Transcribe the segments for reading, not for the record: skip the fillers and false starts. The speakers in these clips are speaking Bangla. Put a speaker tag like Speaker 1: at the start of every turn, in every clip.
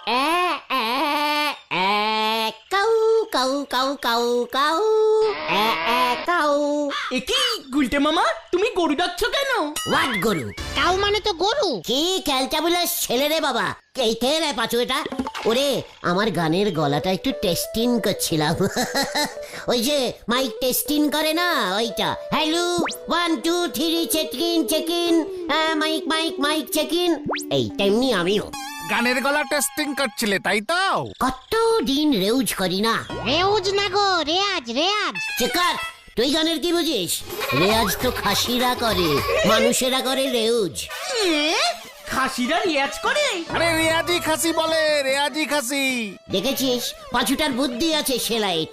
Speaker 1: কাউ কাউ কাউ কাউ কাউ কাউ।
Speaker 2: একি গুলটে মামা, তুমি গরু ডাকছো কেন?
Speaker 1: হোয়াট গরু?
Speaker 3: কাউ মানে তো গরু।
Speaker 1: কি ক্যালটাবুলাস ছেলে রে বাবা। এই কে রে পাঁচু এটা? ওরে আমার গানের গলাটা একটু টেস্টিং করছিলাম। ওই যে মাইক টেস্টিং করে না, ওইটা। Hello 1 2 3 check in. Mike mike mike check in. এই তেমনি আমিও
Speaker 4: গানের গলা টেস্টিং করছিলে, তাই তো?
Speaker 1: কত দিন রেউজ করি না।
Speaker 3: রেউজ না গো, রেয়াজ রেয়াজ।
Speaker 1: চেকার, তুই গানের কি বুঝিস? রেয়াজ তো খাসিরা করে, মানুষেরা করে রেউজ।
Speaker 2: খাসিরা রিয়াজ করে?
Speaker 4: আরে রেয়াজি খাসি বলে, রেয়াজি খাসি।
Speaker 1: দেখেছিস পাঁচুটার বুদ্ধি আছে সেলাইট।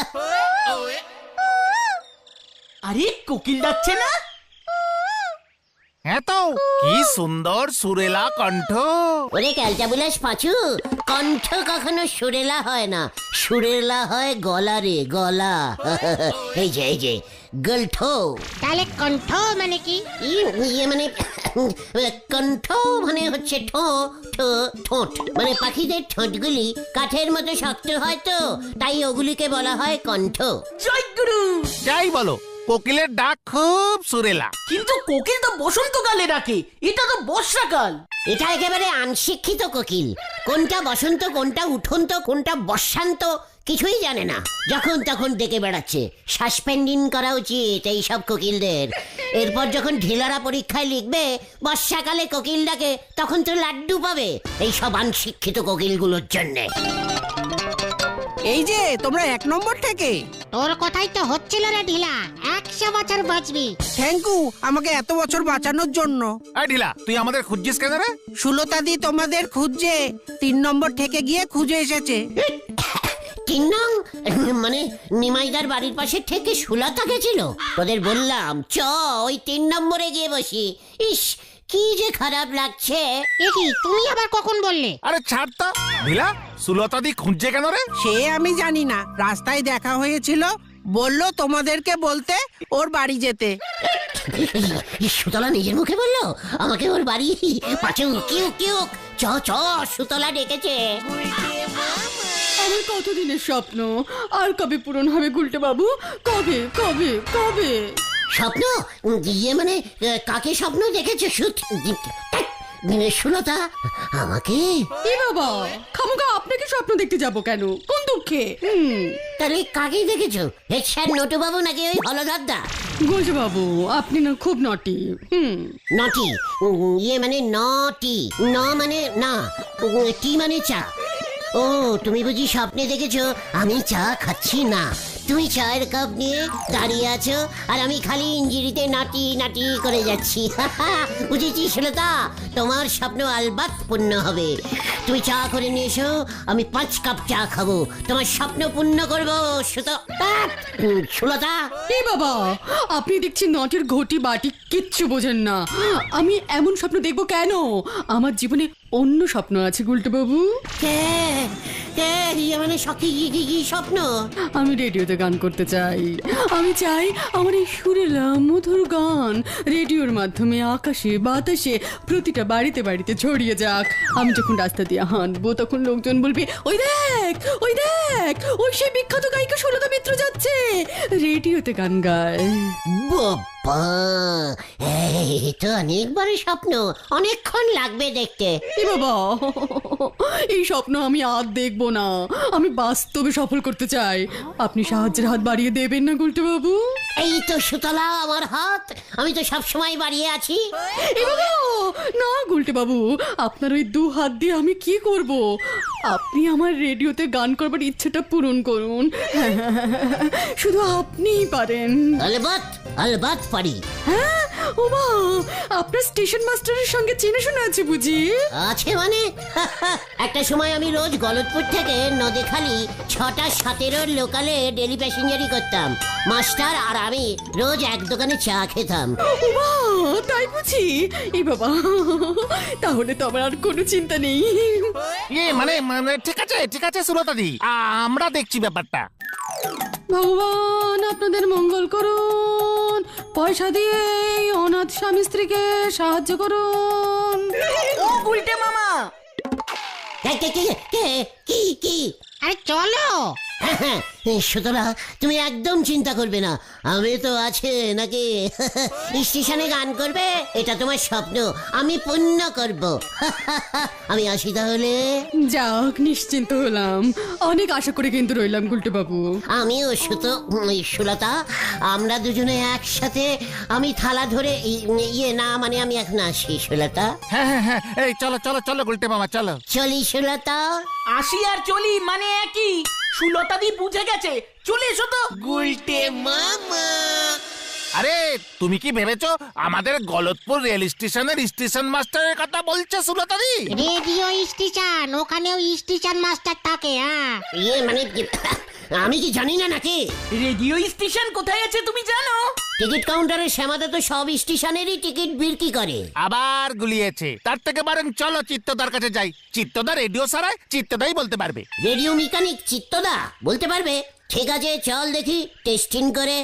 Speaker 2: আরে কোকিল ডাকছে না?
Speaker 4: হ্যাঁ তো, কি সুন্দর সুরেলা কণ্ঠ।
Speaker 1: ওরে ক্যালটাবুলাস পাঁচু, কণ্ঠ কখনো সুরেলা হয় না, সুরেলা হয় গলা রে, গলা। এই যে গল্ঠ।
Speaker 3: তাহলে কণ্ঠ মানে কি?
Speaker 1: ইয়ে মানে কণ্ঠ মানে হচ্ছে ঠোঁট, মানে পাখিদের ঠোঁটগুলি কাঠের মতো শক্ত হয় তো, তাই ওগুলিকে বলা হয় কণ্ঠ।
Speaker 2: জয় গুরু।
Speaker 4: যাই বলো, কোকিলের ডাক খুব সুরেলা।
Speaker 2: কিন্তু কোকিল তো বসন্তকালে ডাকে, এটা তো বর্ষাকাল।
Speaker 1: এটা একেবারে আনশিক্ষিত কোকিল। কোনটা বসন্ত, কোনটা উঠন্ত, কোনটা বর্ষান্ত কিছুই জানে না, যখন তখন ডেকে বেড়াচ্ছে। সাসপেন্ডিং করা উচিত এই সব কোকিলদের। এরপর যখন ঢিলারা পরীক্ষায় লিখবে বর্ষাকালে কোকিল ডাকে, তখন তো লাড্ডু পাবে এই সব আনশিক্ষিত কোকিলগুলোর জন্যে।
Speaker 5: এই যে তোমরা 1 নম্বর থেকে।
Speaker 3: তোর কথাই তো হচ্ছিল রে ঢিলা, 100 বছর বাঁচবি।
Speaker 5: থ্যাংক ইউ আমাকে এত বছর বাঁচানোর জন্য।
Speaker 4: এই ঢিলা, তুই আমাদের খুঁজছিস কেন রে?
Speaker 5: সুলতাদি তোমাদের খুঁজছে, 3 নম্বর থেকে গিয়ে খুঁজে এসেছে।
Speaker 1: 3 নং মানে নিমাইদার বাড়ির পাশে থেকে সুলতা গেছিল। তোদের বললাম চ ওই 3 নম্বরে গিয়ে বসি। ইস কি যে খারাপ লাগছে।
Speaker 3: এ কি, তুমি আবার কখন বললে?
Speaker 4: আরে ছাড় তো ঢিলা, সুলতাদি খুঁজছে কেন রে?
Speaker 5: সে আমি জানি না, রাস্তায় দেখা হয়েছিল, বলল তোমাদেরকে বলতে ওর বাড়ি যেতে।
Speaker 1: সুতলা নিজের মুখে বললো আমাকে ওর বাড়ি। পাঁচু কিউ চ সুতলা ডেকেছে।
Speaker 6: আমার কতদিনের স্বপ্ন, আর কবে পূরণ হবে গুলটে বাবু? কবে কবে কবে?
Speaker 1: স্বপ্ন? ইয়ে মানে কাকে স্বপ্ন দেখেছে? সুলতা আমাকে?
Speaker 6: এ বাবা, খামোকা আপনাকে স্বপ্ন দেখতে যাব কেন? কোন দুঃখে?
Speaker 1: তাহলে কাকে দেখেছো? হেড স্যার নটু বাবু নাকি ওই হলধরদা?
Speaker 6: গুলটে বাবু আপনি না খুব নটি।
Speaker 1: নটি? ইয়ে মানে নটি, ন মানে না, টি মানে চা। ও তুমি বুঝি স্বপ্নে দেখেছো আমি চা খাচ্ছি না, তুমি চায়ের কাপ নিয়ে দাঁড়িয়ে আছো আর আমি খালি ইঞ্জিরিতে নাটি নাটি করে যাচ্ছি। বুঝেছি সুলতা, তোমার স্বপ্ন আলবাত পূর্ণ হবে। তুমি চা করে নিয়ে এসো, আমি 5 কাপ চা খাবো, তোমার স্বপ্ন পূর্ণ করবো সুলতা।
Speaker 6: এ বাবা, আপনি দেখছি নটের ঘটি বাটি কিচ্ছু বোঝেন না। আমি এমন স্বপ্ন দেখবো কেন? আমার জীবনে অন্য স্বপ্ন আছে গুলটে বাবু।
Speaker 1: মানে কি স্বপ্ন?
Speaker 6: আমি রেডিওতে গান করতে চাই। আমি চাই আমার এই সুরেলা মধুর গান রেডিওর মাধ্যমে আকাশে বাতাসে প্রতিটা বাড়িতে বাড়িতে ছড়িয়ে যাক। আমি যখন রাস্তা দিয়ে হাঁটবো তখন লোকজন বলবে, ওই দেখ ওই দেখ, ওই সেই বিখ্যাত গায়িকা সুলতা মিত্র যাচ্ছে, রেডিওতে গান গায়।
Speaker 1: বাবা, এই তো অনেকবার স্বপ্ন, অনেকক্ষণ লাগবে দেখতে।
Speaker 6: এ বাবা, এই স্বপ্ন আমি আর দেখবো না, আমি বাস্তবে সফল করতে চাই। আপনি সাহায্যের হাত বাড়িয়ে দেবেন না গুলটে বাবু?
Speaker 1: এই তো সুতলা আমার হাত, আমি তো সব সময় বাড়িয়ে আছি।
Speaker 6: এ বাবা, না গুলটে বাবু, আপনার ওই 2 হাত দিয়ে আমি কি করব? আপনি আমার রেডিওতে গান করবার ইচ্ছেটা পূরণ করুন। শুধু আপনিই পারেন।
Speaker 1: আলবাত পারি।
Speaker 6: হ্যাঁ, ওমা, আপনার স্টেশন মাস্টারের সঙ্গে চেনা শোনা আছে বুঝি?
Speaker 1: আছে মানে একটা সময় আমি রোজ গলতপুর থেকে নদীখালি 6টা 17 লোকালে ডেলি প্যাসেঞ্জারি করতাম। মাস্টার আর আমি রোজ এক দোকানে চা খেতাম।
Speaker 6: ওমা, তাই বুঝি? এ বাবা, তাহলে তো আমার আর কোনো চিন্তা নেই।
Speaker 4: মানে ঠিক আছে সুলতাদি, আমরা দেখছি ব্যাপারটা।
Speaker 6: ভগবান আপনাদের মঙ্গল করুন, পয়সা দিয়ে এই অনাথ স্বামী স্ত্রীকে সাহায্য করুন।
Speaker 2: ও গুলটে মামা,
Speaker 1: কি কি?
Speaker 3: আরে চলো।
Speaker 1: হ্যাঁ, সুতরাং তুমি একদম চিন্তা করবে না, আমি তো আছে নাকি? স্টেশনে গান করবে, এটা তোমার স্বপ্ন, আমি পূর্ণ করব। আমি আসি তাহলে।
Speaker 6: যাক, নিশ্চিন্ত হলাম। অনেক আশা করে কিন্তু রইলাম গুলটে বাবু।
Speaker 1: আমিও সুলতা, আমরা দুজনে একসাথে, আমি থালা ধরে ইয়ে না মানে আমি এখন আসি সুলতা।
Speaker 4: হ্যাঁ, এই চলো চলো চলো গুলটে মামা চলো।
Speaker 1: চলি সুলতা।
Speaker 2: আসি আর চলি মানে একই। সুলতাদি বুঝে গেছে, চলে এসো তো।
Speaker 4: আরে তুমি কি ভেবেছো আমাদের গলতপুর রেল স্টেশনের স্টেশন মাস্টারের কথা বলছে সুলতাদি?
Speaker 3: রেডিও স্টেশন, ওখানেও স্টেশন মাস্টার থাকে। হ্যাঁ,
Speaker 1: ইয়ে মানে আমি কি জানি না নাকি?
Speaker 2: রেডিও স্টেশন কোথায় আছে তুমি জানো?
Speaker 1: টিকিট কাউন্টারে শ্যামাদা তো সব স্টেশনেরই টিকিট বিক্রি করে।
Speaker 4: আবার গুলিয়েছে। তার থেকে বরং চলো চিত্তদার কাছে যাই। চিত্তদা রেডিও সারায়, চিত্তদাই বলতে পারবে।
Speaker 1: রেডিও মেকানিক চিত্তদা বলতে পারবে? ঠিক আছে, চল দেখি টেস্টিং করে।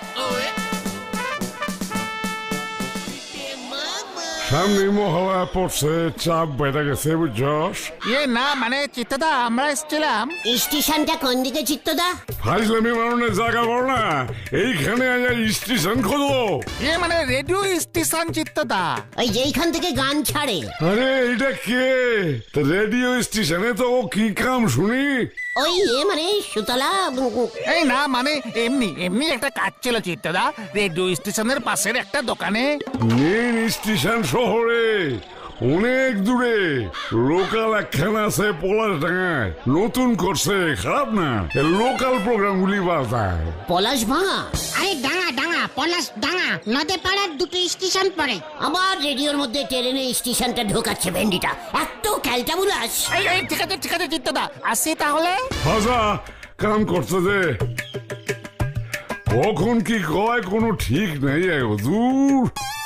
Speaker 7: সামনে মহড়া পড়ছে, চাপ বেড়ে গেছে বুঝছস।
Speaker 4: না মানে চিত্তদা আমরা এসেছিলাম।
Speaker 1: স্টেশনটা কোন দিকে চিত্তদা?
Speaker 7: ফাইজলামি মারণের জায়গা বল না, এইখানে স্টেশন খোঁজো।
Speaker 4: মানে রেডিও স্টেশন চিত্তদা।
Speaker 1: ওই যেইখান থেকে গান ছাড়ে।
Speaker 7: আরে এটা কে? রেডিও স্টেশনে তো ও কি কাম শুনি?
Speaker 1: ওই মানে সুতলা।
Speaker 4: এই না মানে এমনি এমনি একটা কাজ ছিল চিত্তদা, রেডিও স্টেশনের পাশের একটা দোকানে।
Speaker 7: মেন স্টেশন শহরে অনেক দূরে লোকাল একখানা আছে পলাশডাঙ্গায়, নতুন করছে, খারাপ না। লোকাল প্রোগ্রাম গুলি বাজায়।
Speaker 1: পলাশ ভাঙা?
Speaker 3: আরে ডাঙা ডাঙা, পলাশ ডাঙা, নদে পাড়ার দুটো স্টেশন পড়ে।
Speaker 1: আবার রেডিওর মধ্যে ট্রেনে স্টেশনটা ঢোকাচ্ছে ভেন্ডিটা, এত ক্যালটাবুলাস।
Speaker 4: এই ঠিক আছে চিত্তদা, আসি তাহলে।
Speaker 7: হাজা কাম করছে যে কখন কি কয় কোনো ঠিক নেই। দূর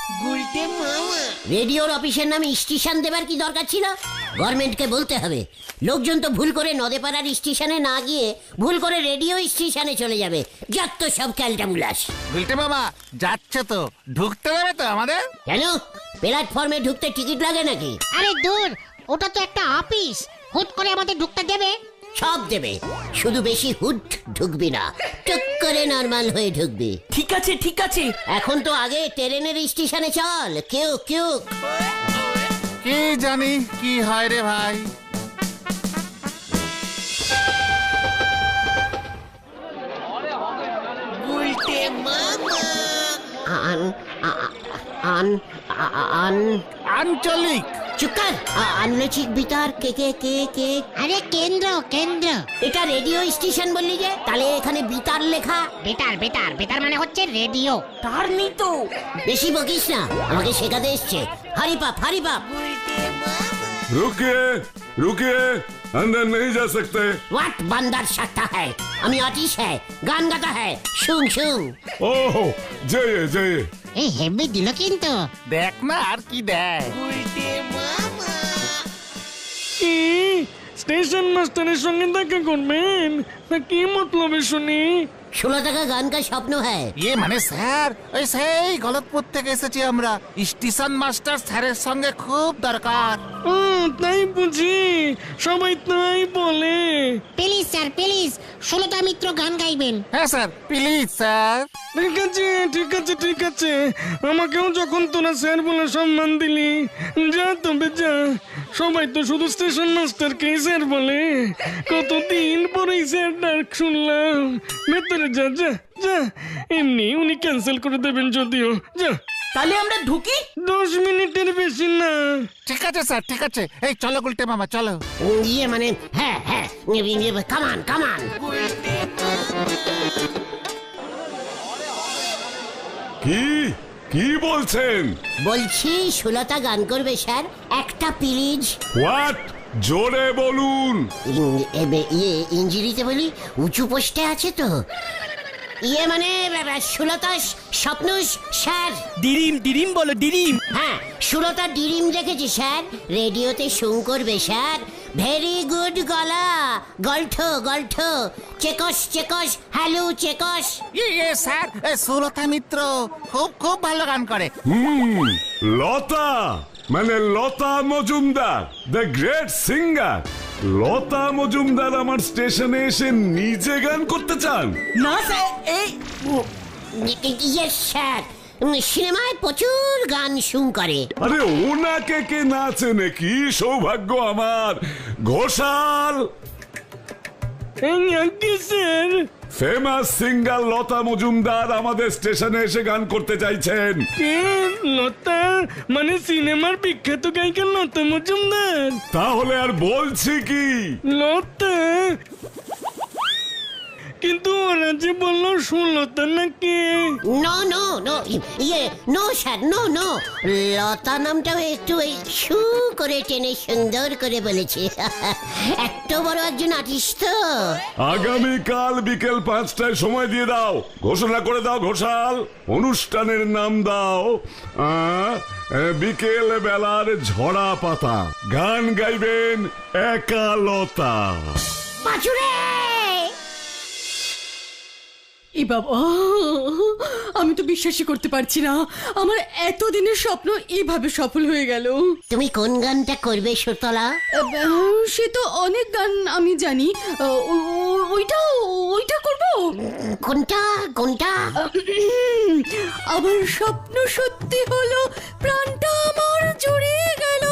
Speaker 1: রেডিওর অফিসের নামে স্টেশন দেবার কি দরকার ছিল? গভর্নমেন্টকে বলতে হবে। লোকজন তো ভুল করে নদেপাড়ার স্টেশনে না গিয়ে ভুল করে রেডিও স্টেশনে চলে যাবে। যত সব ক্যালটামুলাস।
Speaker 4: গুলটে মামা যাচ্ছে তো, ঢুকতে দেবে তো আমাদের?
Speaker 1: কেন, প্ল্যাটফর্মে ঢুকতে টিকিট লাগে নাকি?
Speaker 3: আরে দূর, ওটা তো একটা অফিস, হুট করে আমাদের ঢুকতে দেবে?
Speaker 1: সব দেবে, শুধু বেশি হুট ঢুকবি না, টুক করে নর্মাল হয়ে ঢুকবি।
Speaker 2: ঠিক আছে ঠিক আছে।
Speaker 1: এখন তো আগে ট্রেনের স্টেশনে চল। কেউ কেউ
Speaker 4: কি জানি কি হয় রে ভাই। আঞ্চলিক
Speaker 1: চুকার আনলেচিক বিতার কে কে কে কে।
Speaker 3: আরে কেন্দ্র কেন্দ্র।
Speaker 1: এটা রেডিও স্টেশন বললি যে, তাহলে এখানে বিতার লেখা।
Speaker 3: বেটার বেটার বেটার মানে হচ্ছে রেডিও।
Speaker 2: তার নেই তো।
Speaker 1: বেশি বকিস না, আমাকে শেখাতে এসছে। হারি পাপ হারি পাপ।
Speaker 7: रुकिए रुकिए, अंदर नहीं जा सकते।
Speaker 1: व्हाट बंदर सकता है? আমি আর্টিস্ট হ্যাঁ, গান গাতা হ্যাঁ, শুন শুন।
Speaker 7: ओह जाइए जाइए।
Speaker 3: এই হেভি দিল কিন্তু।
Speaker 4: দেখ না আর কি দেয়।
Speaker 8: কি স্টেশন মাস্টারের সঙ্গে দেখা করবেন না কি মতলবে শুনি?
Speaker 1: 16 টাকা গান কা স্বপ্ন হ্যাঁ।
Speaker 4: মানে স্যার, ওই সেই গলতপুর থেকে এসেছি আমরা। স্টেশন মাস্টার স্যারের সঙ্গে খুব দরকার।
Speaker 8: ও তাই বুঝি, সবাই তাই বলে।
Speaker 3: প্লিজ স্যার প্লিজ, 16টা মিত্র গান গাইবেন।
Speaker 4: হ্যাঁ স্যার, প্লিজ স্যার।
Speaker 8: ঠিক আছে ঠিক আছে ঠিক আছে, আমাকেও যখন তোরা স্যার বলে সম্মান দিলি, যা তবে যা। সবাই তো শুধু স্টেশন মাস্টারকেই স্যার বলে, কতদিন পরেই স্যার ডাক শুনলাম। ভেতরে যা যা যা, এমনি উনি ক্যান্সেল করে দেবেন যদিও। যা,
Speaker 2: তাহলে আমরা ঢুকি।
Speaker 8: 10 মিনিটের বেশি না।
Speaker 4: ঠিক আছে স্যার, ঠিক আছে। এই চলো গুলটে মামা চলো।
Speaker 1: ইয়ে মানে হ্যাঁ হ্যাঁ, কামান কামান।
Speaker 7: কি কি বলছেন?
Speaker 1: বলছি সুলতা গান করবে স্যার, একটা প্লিজ।
Speaker 7: হোয়াট? জোরে বলুন।
Speaker 1: ইয়ে ইঞ্জিরিতে বলি, উঁচু পোস্টে আছে তো। ইয়ে মানে সুলতা স্বপ্ন স্যার।
Speaker 2: ডিরিম ডিরিম বলো ডিরিম।
Speaker 1: হ্যাঁ, সুলতা ডিরিম দেখেছি স্যার, রেডিওতে শুন করবে স্যার। ভেরি গুড গলা, গল্ঠ গল্ঠ, checks checks, hello checks.
Speaker 4: Sir, Sulata Mitra খুব খুব ভালো গান করে।
Speaker 7: লতা মানে Lata Majumdar, the great singer. Lata Majumdar আমার স্টেশনে এসে নিজে গান করতে চান?
Speaker 2: না স্যার এই
Speaker 1: ইয়েস স্যার, সিনেমায় প্রচুর গান শুন করে।
Speaker 7: আরে ওনাকে কে নাচে নাকি? সৌভাগ্য আমার। ঘোষাল,
Speaker 8: এই আজ্ঞে sir.
Speaker 7: Famous singer Lata Majumdar আমাদের স্টেশনে এসে গান করতে চাইছেন।
Speaker 8: কে? লতা মানে সিনেমার বিখ্যাত গায়িকা লতা মজুমদার?
Speaker 7: তাহলে আর বলছি কি?
Speaker 8: লতা, কিন্তু ওরা যে বললো সুলতা নাকি?
Speaker 1: No no no, no sir, no no, Lata নামটাও একটু এই শু করে টেনে সুন্দর করে বলেছে। এত বড় একজন আর্টিস্ট তো।
Speaker 7: আগামীকাল বিকেল 5টায় সময় দিয়ে দাও, ঘোষণা করে দাও ঘোষাল। অনুষ্ঠানের নাম দাও বিকেল বেলার ঝরা পাতা। গান গাইবেন একা লতা।
Speaker 1: পাঁচুরে
Speaker 6: এ বাবা, আমি তো বিশ্বাসই করতে পারছি না আমার এতদিনের স্বপ্ন এইভাবে সফল হয়ে গেল।
Speaker 1: তুমি কোন গানটা করবে সুতলা?
Speaker 6: সে তো অনেক গান আমি জানি, ওইটা ওইটা করব।
Speaker 1: কোনটা কোনটা?
Speaker 6: আমার স্বপ্ন সত্যি হলো, প্রাণটা আমার জুড়িয়ে গেল।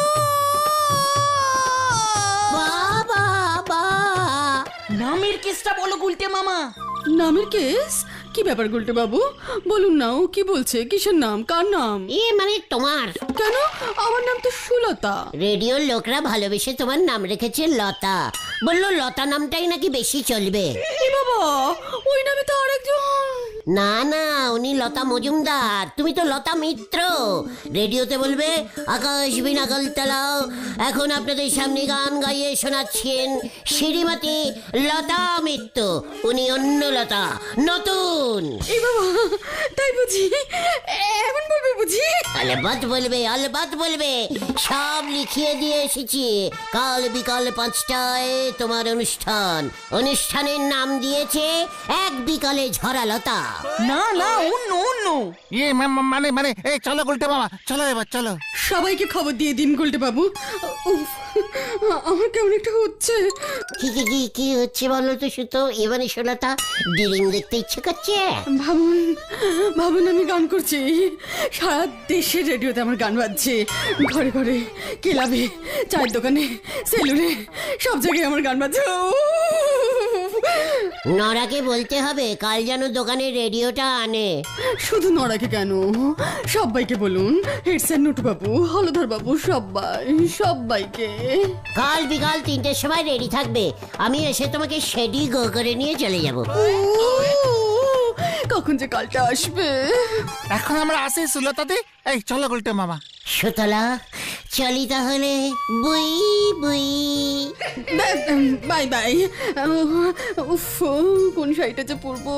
Speaker 1: বাবা বা
Speaker 2: নামের কেসটা বলো গুলটে মামা।
Speaker 6: নামের কেস? কি ব্যাপার গুলটে বাবু, বলুন না, ও কি বলছে? কিসের নাম? কার নাম?
Speaker 1: মানে তোমার।
Speaker 6: কেন? আমার নাম তো সুলতা।
Speaker 1: রেডিওর লোকরা ভালোবেসে তোমার নাম রেখেছে লতা। বললো লতা নামটাই নাকি বেশি চলবে।
Speaker 6: এ বাবা, ওই নামে তো আরেকজন।
Speaker 1: না না, উনি লতা মজুমদার, তুমি তো লতা মিত্র। রেডিওতে বলবে, আকাশ বিনা কলতলাও এখন আপনাদের সামনে গান গাইয়ে শোনাচ্ছেন শ্রীমতী লতা মিত্র। উনি অন্য লতা, নতুন।
Speaker 6: এ বাবা, তাই বুঝি? এখন বলবে বুঝি?
Speaker 1: আলবাত বলবে, আলবাত বলবে। সব লিখিয়ে দিয়ে এসেছি। কাল বিকাল 5টায় তোমার অনুষ্ঠান। অনুষ্ঠানের নাম দিয়েছে এক বিকালে ঝরা লতা।
Speaker 2: না না, অন্য অন্য।
Speaker 4: মানে মানে এই চলো গুলটে মামা, চলো এবার চলো।
Speaker 6: সবাইকে খবর দিয়ে দিন গুলটে বাবু। উফ, আমার কেমন একটা হচ্ছে।
Speaker 1: কি কি কি কি হচ্ছে বলো তো সুতো? এবারে সোলতা ডিরিং দেখতে ইচ্ছে করছে।
Speaker 6: ভাবুন ভাবুন, আমি গান করছি, সারা দেশের রেডিওতে আমার গান বাজছে, ঘরে ঘরে, ক্লাবে, চায়ের দোকানে, সেলুনে, সব জায়গায় আমার গান বাজছে।
Speaker 1: নরাকে বলতে হবে কাল যেন দোকানে রেডিওটা আনে।
Speaker 6: শুধু নড়াকে কেন, সবাইকে বলুন, হেড স্যার, নটু বাবু, হলধর বাবু, সবাইকে।
Speaker 1: কাল বিকাল 3টের সময় রেডি থাকবে। আমি এসে তোমাকে সেডি গো করে নিয়ে চলে যাব।
Speaker 6: কখন যে কালটা আসবে।
Speaker 4: এখন আমরা আসি সুলতাদি, এই চলো গুলটে মামা।
Speaker 1: সুতলা চলি তাহলে, বুই বুই।
Speaker 6: Bye bye. উফ, কোন শাড়িটা যে পরবো।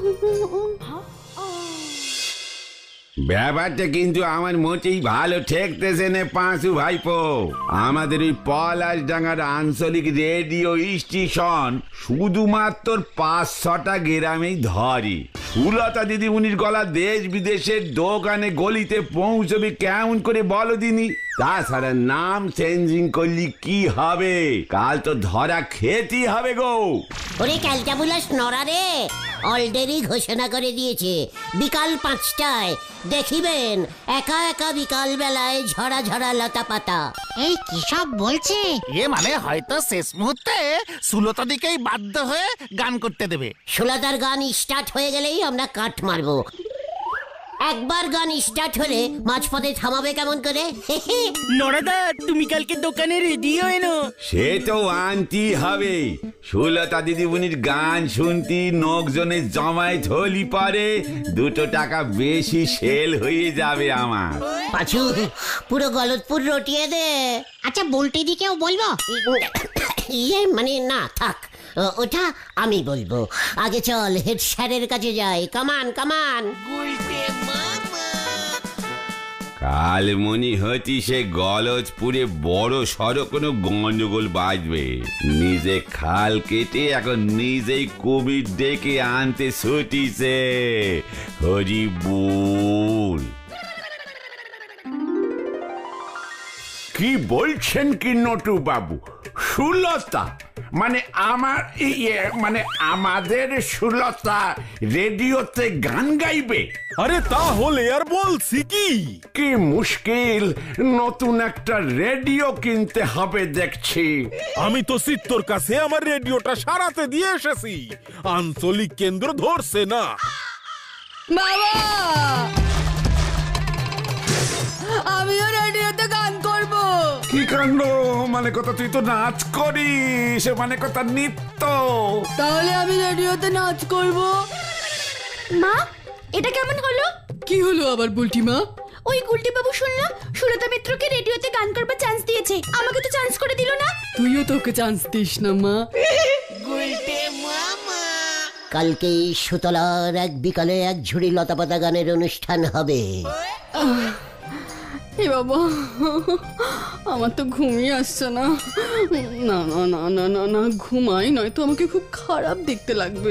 Speaker 9: ব্যাপারটা কিন্তু আমার মোটেই ভালো ঠেকতেছে না পাঁচু ভাইপো। আমাদের ওই পলাশডাঙ্গার আঞ্চলিক রেডিও স্টেশন শুধুমাত্র 5-6টা গ্রামেই ধরে। সুলতা দিদিমণির গলা দেশ বিদেশের দোকানে গলিতে পৌঁছবে কেমন করে বলো দিনি? তাছাড়া নাম চেঞ্জিং করলি কি হবে? কাল তো ধরা খেতেই হবে গো।
Speaker 1: ওরে ক্যালটাবুলাস নরা রে, অলরেডি ঘোষণা করে দিয়েছে বিকাল 5টায় দেখিবেন একা একা বিকাল বেলায় ঝরা ঝরা লতা পাতা।
Speaker 3: এই কি সব বলছে?
Speaker 4: মানে হয়তো শেষ মুহূর্তে সুলতাদিকেই বাধ্য হয়ে গান করতে দেবে।
Speaker 1: সুলতার গান স্টার্ট হয়ে গেলেই আমরা কাট মারবো। একবার গান স্টার্ট হলে মাঝপথে থামাবে কেমন করে?
Speaker 2: নরাদা, তুমি কালকে দোকানে রেডিও এনো।
Speaker 9: সে তো আনতি হবে। সুলতা দিদিমণির গান শুনতি লোকজনের জমায়েত হলি পারে 2 টাকা বেশি সেল হয়ে যাবে আমার।
Speaker 1: পাঁচু, পুরো গলতপুর রটিয়ে দে।
Speaker 3: আচ্ছা, বলতে দিকেও বলবো?
Speaker 1: মানে না থাক, ওটা আমি বলবো। আগে চল হেড স্যারের কাছে যাই। কামান কামান।
Speaker 9: কাল মনি হতি সে গলজপুরে বড় সড়ো কোনো গন্ডগোল বাজবে। নিজে খাল কেটে এখন নিজেই কোভিড ডেকে আনতে ছুটিছে। হরি বল। কি বলছেন কি নটু বাবু? সুলতা মানে আমার মানে আমাদের সুলতা রেডিওতে গান গাইবে?
Speaker 10: আরে তাহলে আর বলছি কি
Speaker 9: কি মুশকিল, নতুন একটা রেডিও কিনতে হবে দেখছি।
Speaker 10: আমি তো চিত্তর কাছে আমার রেডিওটা সারাতে দিয়ে এসেছি, আঞ্চলিক কেন্দ্র ধরছে না।
Speaker 6: বাবা, আমিও রেডিওতে গান করব।
Speaker 9: কি কাণ্ড, মানে কথা তুই তো নাচ করিস, মানে কথা নৃত্য।
Speaker 6: তাহলে আমি রেডিওতে নাচ করব।
Speaker 11: মা, এটা কেমন হলো?
Speaker 6: কি হলো আবার বুলটি মা?
Speaker 11: ওই গুলটি বাবু শুনলাম সুলতা মিত্রকে রেডিওতে গান করবার চান্স দিয়েছে, আমাকে তো চান্স করে দিল না।
Speaker 6: তুইও তোকে চান্স দিস না মা।
Speaker 1: কালকে সুতলার এক বিকালে এক ঝুড়ি লতাপাতা গানের অনুষ্ঠান হবে।
Speaker 6: এ বাবা, আমার তো ঘুমিয়ে আসছে না। না না না না না না, ঘুমাই নয়তো আমাকে খুব খারাপ দেখতে লাগবে।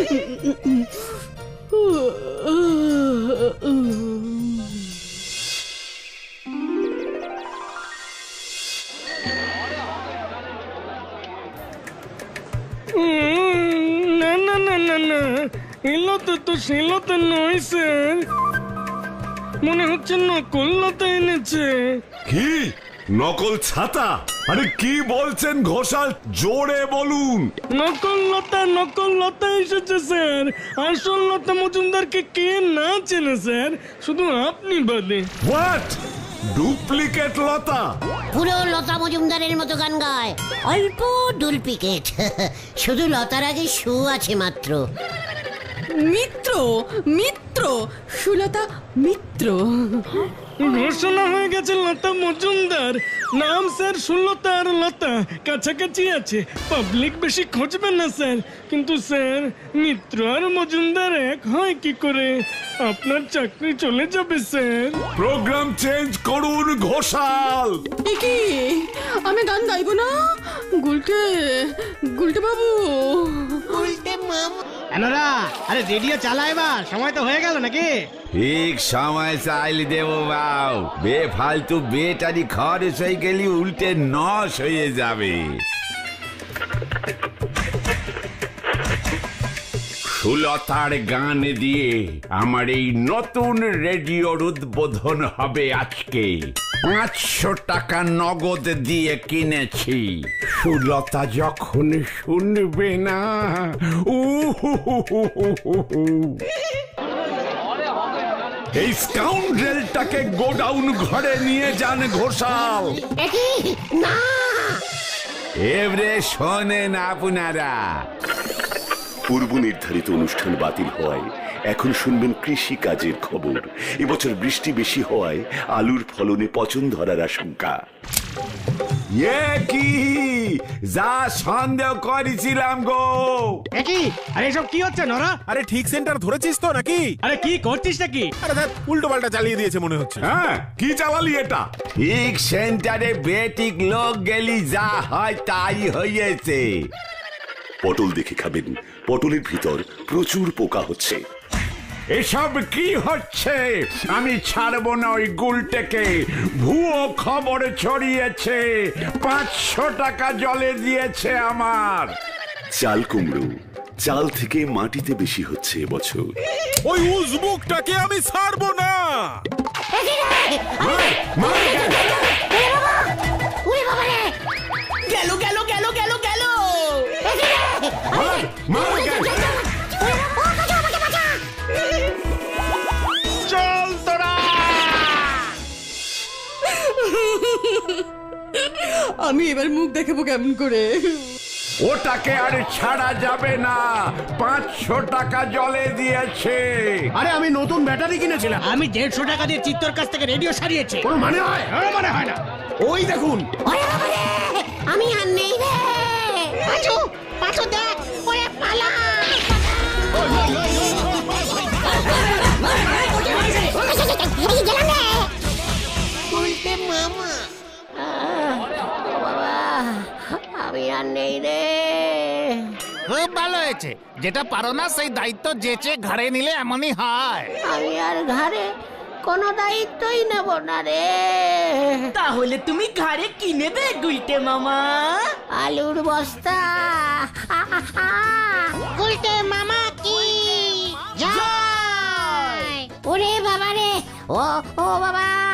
Speaker 8: না না না না না, এলতা তো শিলতা নয় স্যার, মনে হচ্ছে নকল লতা এনেছে।
Speaker 7: কি নকল ছাতা? আরে কি বলছেন ঘোষাল, জোরে বলুন।
Speaker 8: নকল লতা এসেছে স্যার। আসল লতা মজুমদারকে কে না চেনে স্যার, শুধু আপনি বাদে।
Speaker 7: What, duplicate Lata?
Speaker 1: পুরো লতা মজুমদারের মতো গান গায়, অল্প ডুপ্লিকেট। শুধু লতার আগে সু আছে মাত্র।
Speaker 6: মিত্র, মিত্র, সুলতা মিত্র।
Speaker 8: ঘোষণা হয়ে গেছে লতা মজুমদার, নাম স্যার সুলতা আর লতা কাছাকাছি আছে, পাবলিক বেশি খুঁজবে না স্যার। কিন্তু স্যার মিত্র আর মজুমদার এক হয় কি করে? আপনার চাকরি চলে যাবে স্যার।
Speaker 7: প্রোগ্রাম চেঞ্জ করুন ঘোষাল।
Speaker 6: কি আমি গান গাইবো না? গুলটে, গুলটে বাবু।
Speaker 3: আরে রেডিও চালা, এবার সময় তো হয়ে গেল নাকি?
Speaker 9: ঠিক সময় চাইলে দেব বাউ, বেফালতু বেটারি খরচ হয়ে গেলি উল্টে নশ হয়ে যাবে। সুলতার গান দিয়ে আমার এই নতুন রেডিওর উদ্বোধন হবে আজকে। 500 টাকা নগদ দিয়ে কিনেছি। সুলতা যখন শুনবে না,
Speaker 7: এই স্কাউন্ড্রেলটাকে গোডাউন ঘরে নিয়ে যান ঘোষাল।
Speaker 1: না,
Speaker 9: এবারে শোনেন আপনারা।
Speaker 12: পূর্ব নির্ধারিত অনুষ্ঠান বাতিল হওয়ায় এখন শুনবেন কৃষি কাজের খবর। এবছর বৃষ্টি বেশি হওয়ায় আলুর ফলনে পচন ধরার আশঙ্কা।
Speaker 9: কি যা সন্দেহ করেছিলাম গো।
Speaker 3: একই, আরে এসব কি হচ্ছে নরা?
Speaker 10: আরে ঠিক সেন্টার ধরেছিস তো নাকি?
Speaker 3: আরে কি করছিস নাকি?
Speaker 10: আরে দেখ, উল্টো পাল্টা চালিয়ে দিয়েছে মনে হচ্ছে।
Speaker 7: হ্যাঁ, কি চালালি এটা?
Speaker 9: ঠিক সেন্টারে বেটিক লোক গেলি যা হয় তাই হয়েছে।
Speaker 12: পটল দেখে খাবেন, পটলের ভিতর প্রচুর পোকা হচ্ছে।
Speaker 9: এসব কি হচ্ছে? আমি ছাড়বো না ওই গুলটেকে। ভুয়ো খবর ছড়িয়েছে, 500 টাকা জলে দিয়েছে আমার।
Speaker 12: চাল কুমড়ো চাল থেকে মাটিতে বেশি হচ্ছে এবছর।
Speaker 10: ওই উজবুকটাকে আমি ছাড়বো না।
Speaker 2: গেল গেল গেল গেল গেল।
Speaker 8: চল তোরা।
Speaker 6: আমি এবার মুখ দেখাবো কেমন করে?
Speaker 9: ওটাকে আর ছাড়া যাবে না, 500 টাকা জলে দিয়েছে।
Speaker 3: আরে আমি নতুন ব্যাটারি কিনেছিলাম। আমি 150 টাকা দিয়ে চিত্তর কাছ থেকে রেডিও সারিয়েছি। কোনো মানে হয়? মানে হয় না। ওই দেখুন,
Speaker 1: আমি আর নেই রে।
Speaker 3: পাঁচু, পাঁচু দেখ, ওরে পালা।
Speaker 1: আমি আর নেই রে।
Speaker 4: খুব ভালো হয়েছে, যেটা পারো না সেই দায়িত্ব যেচে ঘাড়ে নিলে এমনই হয়।
Speaker 1: আমি আর ঘরে কোনো দায়িত্বই নেব না রে।
Speaker 2: তাহলে তুমি ঘাড়ে কি নেবে গুলটে মামা?
Speaker 1: আলুর বস্তা। গুলটে মামা কি জয়। ওরে বাবা রে, ও বাবা।